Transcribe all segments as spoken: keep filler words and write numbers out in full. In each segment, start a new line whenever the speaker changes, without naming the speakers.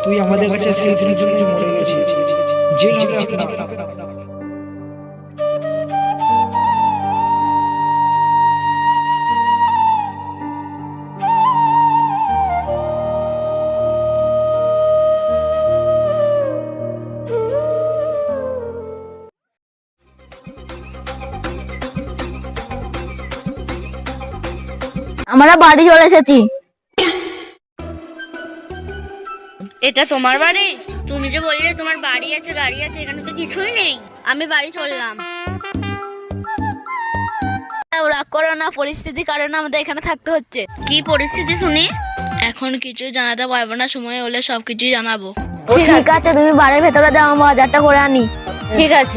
তুই আমাদের কাছে সেই দিনের জন্য মরে গেছিস, জেল হবে আপনার।
আমরা বাড়ি চলে এসেছি।
এটা তোমার বাড়ি? তুমি যে বললে তোমার বাড়ি আছে গাড়ি আছে, এখানে তো কিছুই নেই।
আমি বাড়ি চললাম। রাগ করো না, পরিস্থিতির কারণে আমাদের এখানে থাকতে হচ্ছে।
কি পরিস্থিতি শুনি? এখন কিছু জানাতে পারবো না, সময় হলে সবকিছুই জানাবো।
ঠিক আছে, তুমি বাড়ির ভেতরে যাও, আমি বাজারটা করে আনি। ঠিক আছে।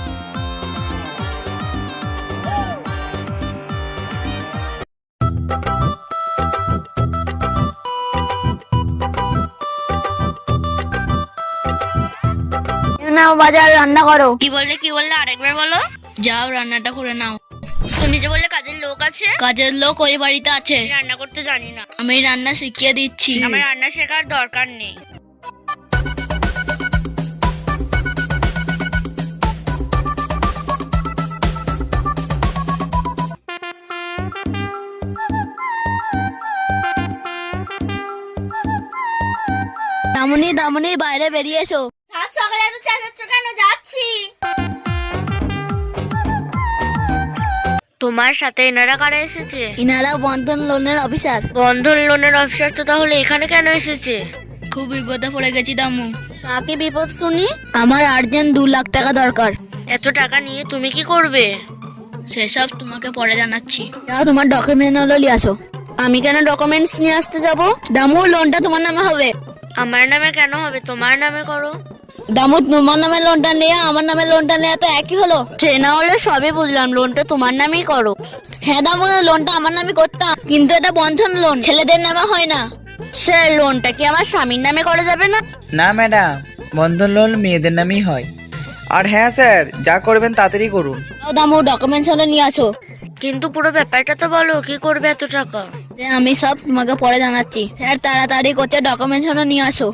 নাও বাজার রান্না করো।
কি বললে কি বললে আরেকবার বলো। যাও রান্নাটা করে নাও। তুমি যে বললে কাজের লোক আছে?
কাজের লোক ওই বাড়িতে আছে।
রান্না করতে জানি না।
আমি রান্না শিখিয়ে দিচ্ছি।
আমার রান্না শেখার দরকার নেই।
দামুনি দামুনি বাইরে বেরিয়ে এসো।
সকালে এত চেঁচাচ্ছ কেন? যাচ্ছি। তোমার সাথে এনারা কারা এসেছে?
ইনারা বন্ধন লোনের অফিসার।
বন্ধন লোনের অফিসার তো তাহলে এখানে কেন এসেছে?
খুব বিপদে পড়ে গেছি দামু। কাকে বিপদ শুনি? আমার আর্জেন্ট দু লাখ টাকা দরকার।
এত টাকা নিয়ে তুমি কি করবে?
সেসব তোমাকে পরে জানাচ্ছি। যাও তোমার ডকুমেন্ট হলো নিয়ে আসো।
আমি কেন ডকুমেন্টস নিয়ে আসতে যাব?
দামু লোনটা তোমার নামে হবে।
আমার নামে কেন হবে? তোমার নামে করো।
দামু তোমার নামে লোনটা নেয়া আমার নামে লোনটা নেয়া তো একই হলো।
সে না হলে সবই বুঝলাম, লোনটা তোমার নামেই করো।
হ্যাঁ দামু, লোনটা আমার নামে করতাম, কিন্তু এটা বন্ধন লোন, ছেলেদের নামে হয় না।
সে লোনটা কি আমার স্বামীর নামে করা যাবে না?
না ম্যাডাম, বন্ধন লোন মেয়েদের নামেই হয়। আর হ্যাঁ স্যার, যা করবেন তাড়াতাড়ি করুন।
যাও দামু ডকুমেন্টস হলো নিয়ে আসো।
কিন্তু পুরো ব্যাপারটা তো বলো, কি করবে এত টাকা?
আমি সব তোমাকে পরে জানাচ্ছি। স্যার তাড়াতাড়ি করতে ডকুমেন্টস হলো নিয়ে আসো।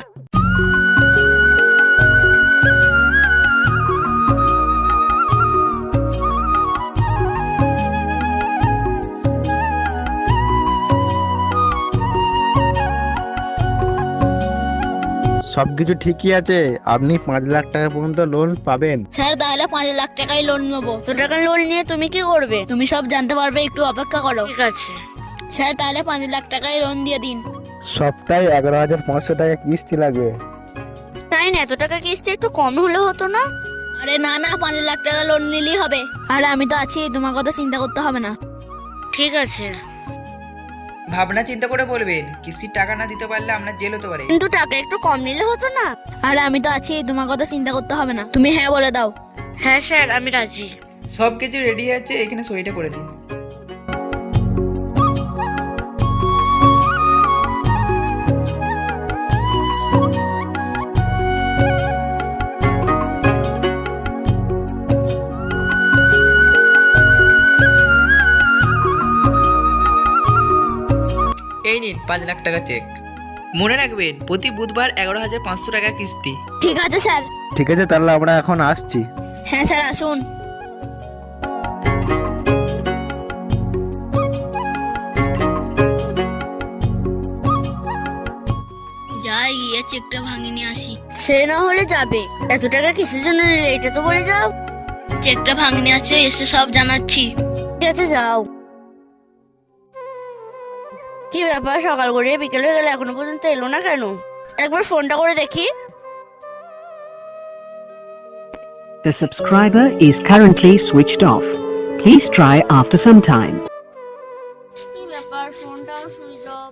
সবকিছু ঠিকই আছে, আপনি পাঁচ লাখ টাকা পর্যন্ত লোন পাবেন।
স্যার তাহলে পাঁচ লাখ টাকাই লোন নেবো।
এত টাকা লোন নিয়ে তুমি কি করবে?
তুমি সব জানতে পারবে, একটু অপেক্ষা করো।
ঠিক আছে।
স্যার তাহলে পাঁচ লাখ টাকাই লোন দিয়ে দিন।
সপ্তাহে এগারো হাজার পাঁচশো টাকা কিস্তি লাগবে।
তাই না? এত টাকা কিস্তি একটু কম হলে হতো না?
আরে না না, পাঁচ লাখ টাকা লোন নিলেই হবে। আর আমি তো আছি, তোমার কথা চিন্তা করতে হবে না।
ঠিক আছে।
ভাবনা চিন্তা করে বলবেন, কিস্তির টাকা না দিতে পারলে আপনার জেল হতে পারে।
কিন্তু টাকা একটু কম নিলে হতো না?
আর আমি তো আছি, তোমার কথা চিন্তা করতে হবে না। তুমি হ্যাঁ বলে দাও।
হ্যাঁ স্যার, আমি রাজি।
সব কিছু রেডি আছে, এখানে সইটা করে দিন। এই নিন পাঁচ লাখ টাকা চেক। মনে রাখবেন প্রতি বুধবার এগারো হাজার পাঁচশো টাকা কিস্তি।
ঠিক আছে স্যার।
ঠিক আছে, তাহলে আমরা এখন আসছি।
হ্যাঁ স্যার আসুন। যাই গিয়ে চেকটা ভাঙিয়ে নিয়ে আসি।
সে না হলে যাবে, এত টাকা কিসের জন্য নিলে এটা তো বলে যাও।
চেকটা ভাঙিয়ে নিয়ে আসছে, এসে সব জানাচ্ছি।
ঠিক আছে যাও। কি ব্যাপার, সকাল করে বিকেল হয়ে গেলে এখনো পর্যন্ত এলো না কেন? একবার ফোনটা করে দেখি।
The subscriber is currently switched off. Please try after some time.
কি ব্যাপার, ফোনটাও সুইচ অফ।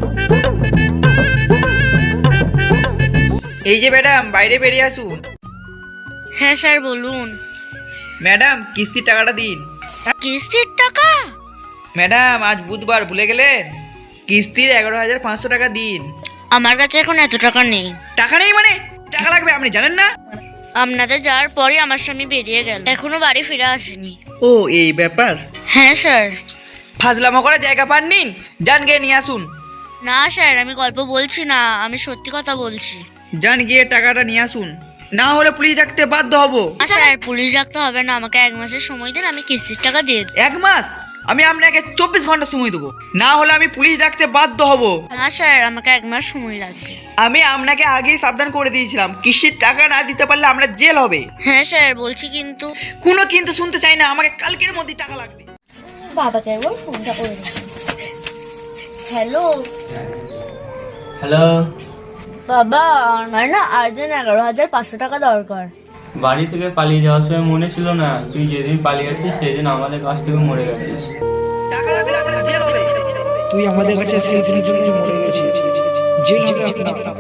এই যে ম্যাডাম, বাইরে বেরিয়ে আসুন।
হ্যাঁ স্যার বলুন।
ম্যাডাম কিস্তির টাকাটা দিন।
কিস্তির টাকা?
ম্যাডাম আজ বুধবার, ভুলে গেলেন? কিস্তির এগারো হাজার পাঁচশো টাকা দিন।
আমার কাছে এখন এত টাকা নেই।
টাকা নেই মানে? টাকা লাগবে, আপনি জানেন না?
আপনাদের যাওয়ার পরে আমার স্বামী বেরিয়ে গেল, এখনো বাড়ি ফিরে আসেনি।
ও এই ব্যাপার।
হ্যাঁ স্যার।
ফাজলামো করার জায়গা পাননি, যান গিয়ে নিয়ে আসুন।
না স্যার, আমি গল্প বলছি না, আমি সত্যি কথা বলছি।
যান গিয়ে টাকাটা নিয়ে আসুন, না হলে পুলিশ ডাকতে বাধ্য হব।
না স্যার, পুলিশ ডাকতে হবে না, আমাকে এক মাসের সময় দিন, আমি কিস্তির টাকা দিয়ে দেবো।
এক মাস? আমি আপনাকে চব্বিশ ঘন্টা সময় দেবো, না হলে আমি পুলিশ ডাকতে বাধ্য হব।
না স্যার, আমাকে এক মাস সময় লাগবে।
আমি আপনাকে আগেই সাবধান করে দিয়েছিলাম, কিস্তির টাকা না দিতে পারলে আমরা জেল হবে।
হ্যাঁ স্যার বলছি, কিন্তু
কোনো কিন্তু শুনতে চাই না, আমাকে কালকের মধ্যে টাকা লাগবে।
বাবাকে একবার ফোনটা করে দিই। হ্যালো
হ্যালো,
বাবা, আমার না আর্জেন্ট এগারো হাজার পাঁচশো টাকা দরকার।
বাড়ি থেকে পালিয়ে যাওয়ার সময় মনে ছিল না তুই যেদিন পালিয়ে গেছিস সেদিন আমাদের কাছ থেকে মরে গেছিস।
টাকা না দিলে আমরা জেল হবে।
তুই আমাদের কাছে সেই দিনের জন্য মরে গেছিস, জেল হবে আপনার।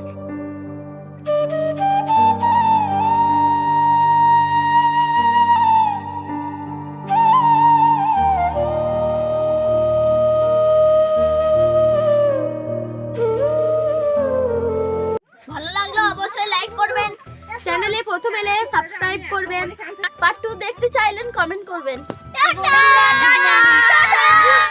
ভালো লাগলো অবশ্যই লাইক করবেন, চ্যানেলে প্রথম এলে সাবস্ক্রাইব করবেন, পার্ট টু দেখতে চাইলেন কমেন্ট করবেন। টাটা।